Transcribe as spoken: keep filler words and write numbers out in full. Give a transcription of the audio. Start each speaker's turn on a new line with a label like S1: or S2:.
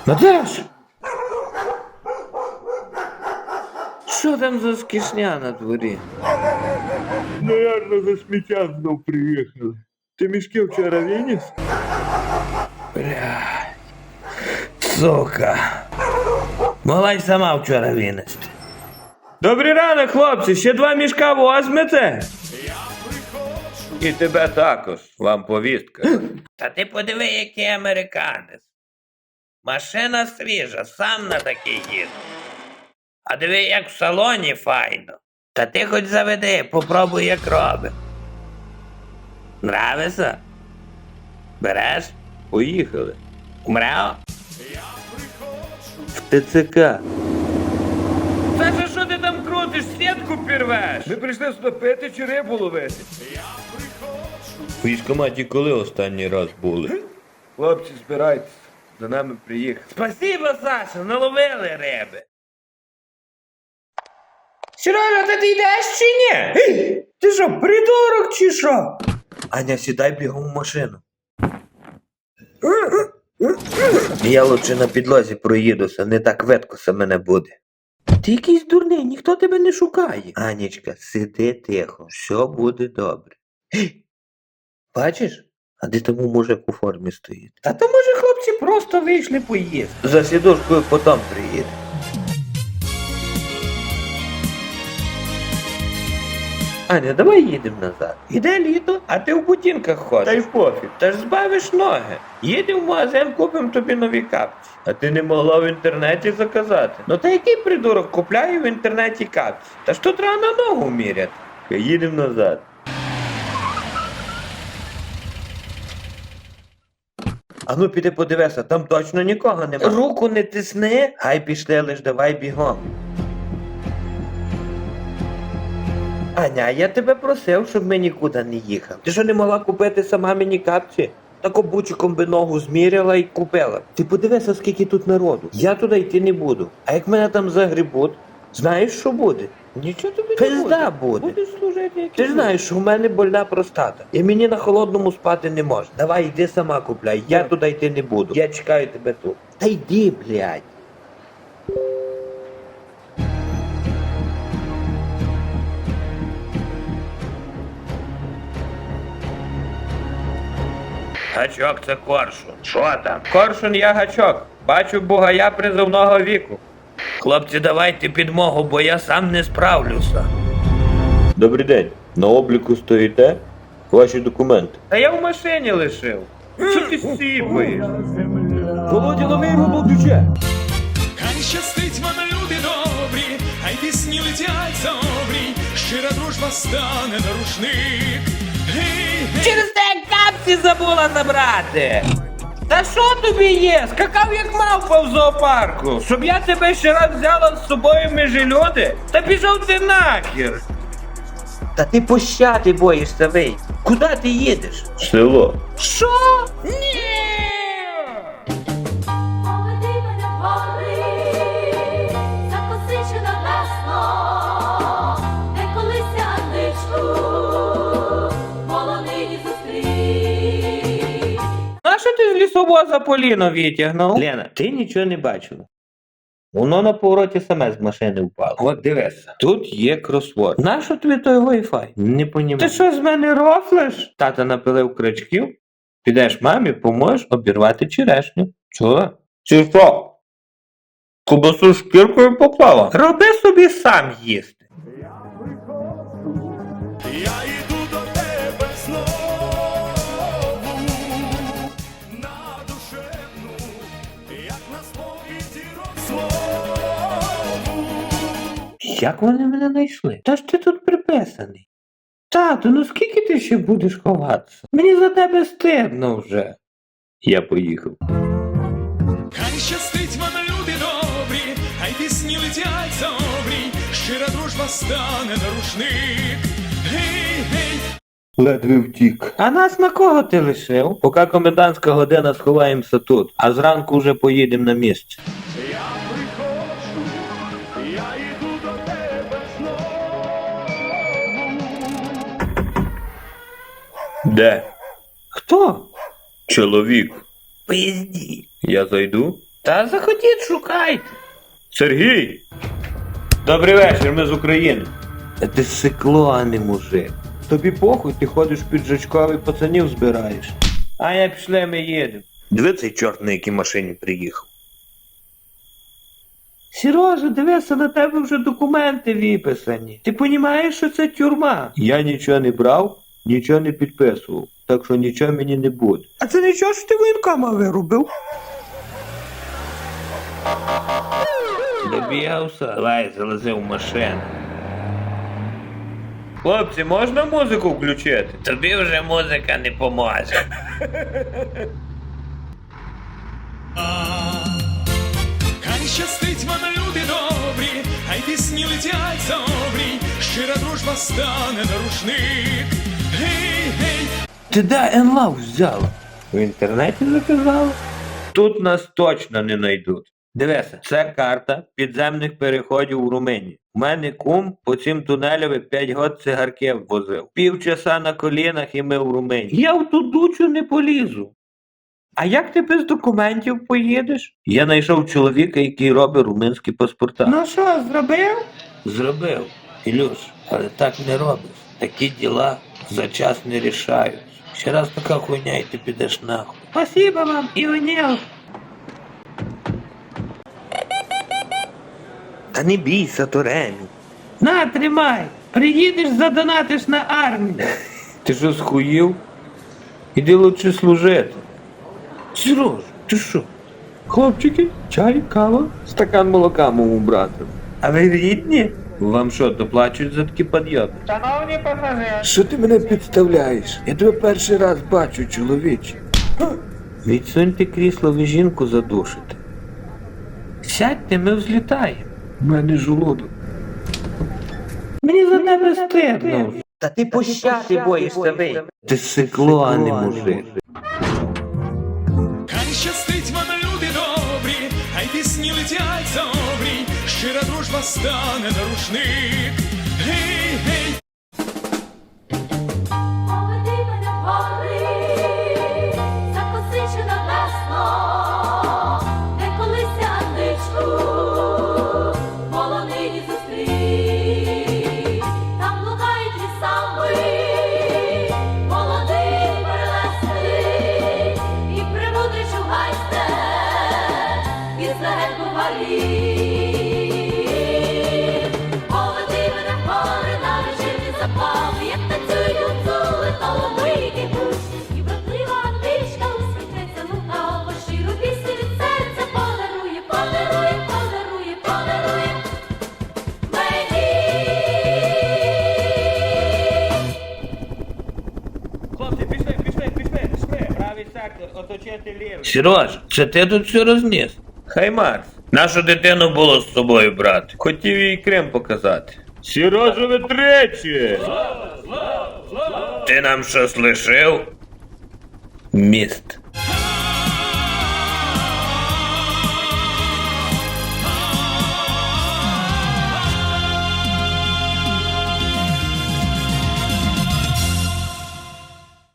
S1: Наташ! Що там за скішня на дворі?
S2: Наверно, за сміття знов приїхали. Ти мішки вчора виніс?
S1: Блядь. Сука. Могла й сама вчора винести. Добрий ранок, хлопці, ще два мішка возьмете? І тебе також, вам повістка. Та ти подиви, який американець. Машина свіжа, сам на такий їду. А диви, як в салоні файно. Та ти хоч заведи, попробуй, як робить. Нравиться? Береш? Поїхали. Умрeo? В ТЦК. Саша, що ти там крутиш? Сітку пірвеш?
S2: Ми прийшли сюди пити чи рибу ловити?
S1: В військкоматі коли останній раз були?
S2: Хлопці, збирайтесь. За нами приїхали.
S1: Спасибо, Саша, наловили риби. Сережа, та ти йдеш чи ні? Ти що, придурок чи що? Аня, сідай бігом в машину. Я лучше на підлозі проїдуся, не так веткося мене буде. Ти якийсь дурний, ніхто тебе не шукає. Анічка, сиди тихо, все буде добре. Бачиш? А де тому мужик у формі стоїть? Та то може хлопці просто вийшли поїсти. За сідушкою потім приїде. Аня, давай їдемо назад. Іде літо, а ти в ботинках ходиш.
S2: Та й пофіг.
S1: Та ж збавиш ноги. Їдемо в магазин, купимо тобі нові капці. А ти не могла в інтернеті заказати. Ну та який придурок купляє в інтернеті капці? Та ж тут треба на ногу міряти. Їдемо назад. А ну піди подивися, там точно нікого нема. Руку не тисни, хай пішли, лиш давай бігом. Аня, я тебе просив, щоб ми нікуди не їхали. Ти що не могла купити сама мені капці? Так обучиком би ногу зміряла і купила. Ти подивися, скільки тут народу. Я туди йти не буду. А як мене там загрібуть, знаєш, що буде? Нічого тобі не Пизда буде. буде. Будеш служити, як Ти ж знаєш, що в мене больна простата. І мені на холодному спати не можна. Давай, йди сама купляй, я туди йти не буду. Я чекаю тебе тут. Та йди, блядь. Гачок це коршун. Що там? Коршун я гачок. Бачу бугая призовного віку. Хлопці, давайте підмогу, бо я сам не справлюся.
S2: Добрий день. На обліку стоїте? Ваші документи.
S1: Та я в машині лишив. Що ти сіпаєш?
S2: Володя, лови його, бо втече.
S3: Хай щастить вам, люди добрі, хай пісні летять за обрій, щира дружба стане на рушник. Гей, гей.
S1: Через те капці забула забрати. Та що тобі є? Скакав як мавпа в зоопарку. Щоб я тебе ще раз взяла з собою між люди? Та пішов ти нахер. Та ти пощати боїшся, вийти. Куди ти їдеш?
S2: Село.
S1: Що? Ні!
S4: Поведи мене в гори, закоси чудовесно, де колись Анничку полонині зустрів.
S1: А що ти з лісовоза Поліно витягнув? Лена, ти нічого не бачила. Воно на повороті саме з машини впало. От дивися, тут є кросворд. Нащо тобі той Wi-Fi? Не понімаю. Ти що з мене рофлиш? Тата напилив крачків, підеш мамі, поможеш обірвати черешню. Чого? Чи що? Кубасу шкіркою поклала? Роби собі сам їсти.
S3: Я йду до тебе знову, на душевну, як на сповіді розмову.
S1: Як вони мене знайшли? Та ж ти тут приписаний. Тату, ну скільки ти ще будеш ховатися? Мені за тебе стидно вже. Я поїхав.
S3: Хай щастить вам, люди добрі, хай пісні летять за обрій, щира дружба стане на рушник. Гей, гей.
S2: Ледве втік.
S1: А нас на кого ти лишив? Поки комендантська година сховаємося тут, а зранку вже поїдемо на місце.
S3: Я приходжу, я йду до тебе знову.
S2: Де?
S1: Хто?
S2: Чоловік.
S1: Пизді.
S2: Я зайду?
S1: Та заходіть, шукайте.
S2: Сергій!
S1: Добрий вечір, ми з України. Ти сикло, а не мужик. Тобі похуй, ти ходиш піджачковий, пацанів збираєш. А я пішли, ми їдемо. Диви цей чорт, на якій машині приїхав. Сережа, дивися, на тебе вже документи виписані. Ти розумієш, що це тюрма? Я нічого не брав, нічого не підписував. Так що нічого мені не буде. А це нічого, що ти воєнкома виробив? Добігався? Давай, залази в машину. Хлопці, можна музику включити? Тобі вже музика не поможе.
S3: Хай щастить вам, люди добрі, хай пісні летять за обрій, щира дружба стане на рушник. Гей, гей,
S1: Ти де енлав взяла? В інтернеті заказала? Тут нас точно не знайдуть. Дивися, це карта підземних переходів у Румунії. У мене кум по цим тунелям п'ять год цигарки возив. Півчаса на колінах і ми в Румунії. Я в ту дучу не полізу. А як ти без документів поїдеш? Я знайшов чоловіка, який робить румунські паспорта. Ну що, зробив? Зробив. Ілюш, але так не робиш. Такі діла за час не рішають. Ще раз така хуйня і ти підеш нахуй. Спасибо вам, Іонел. Та не бійся, Торемі. На, тримай. Приїдеш, задонатиш на армію. Ти що, схуїв? Іди лучше служити. Сереж, ти що? Хлопчики, чай, кава, стакан молока моєму брату. А ви рідні? Вам що, доплачують за такі підйоми?
S5: Шановні пасажири,
S1: Що ти мене підставляєш? Я тебе перший раз бачу, чоловіче. Відсуньте крісло, ви жінку задушите. Сядьте, ми взлітаємо. У мене желудок. Мені за тебе стидно.
S5: та ти пощади боїшся ви.
S1: Ти сикло, а не мужик.
S3: хай щастить вам, люди добрі, хай пісні летять за обрій, щира дружба стане на рушник. Гей, гей,
S4: Поведи мене в гори, закоси небесно, де колись ангичку полонині зустрів. Там блукають лісами, молодий перелесний, і премудрий чугайсте, із легенду варів. Поведи мене в гори на вечірні запали, як танцюють гуцули, талановиті гусь. І вродлива античка усміхнеться лукаво, щиру пісню від серця подарує, подарує, подарує, подарує мені.
S1: Хлопці, пішли, пішли, пішли, пішли. Правий сектор, оточити лівий. Сереж, це ти тут все розніс? Хай Марс. Нашу дитину було з собою брати. Хотів їй Крим показати.
S2: Сережа, ви тричі!
S1: Ти нам щось лишив? Міст.
S3: хай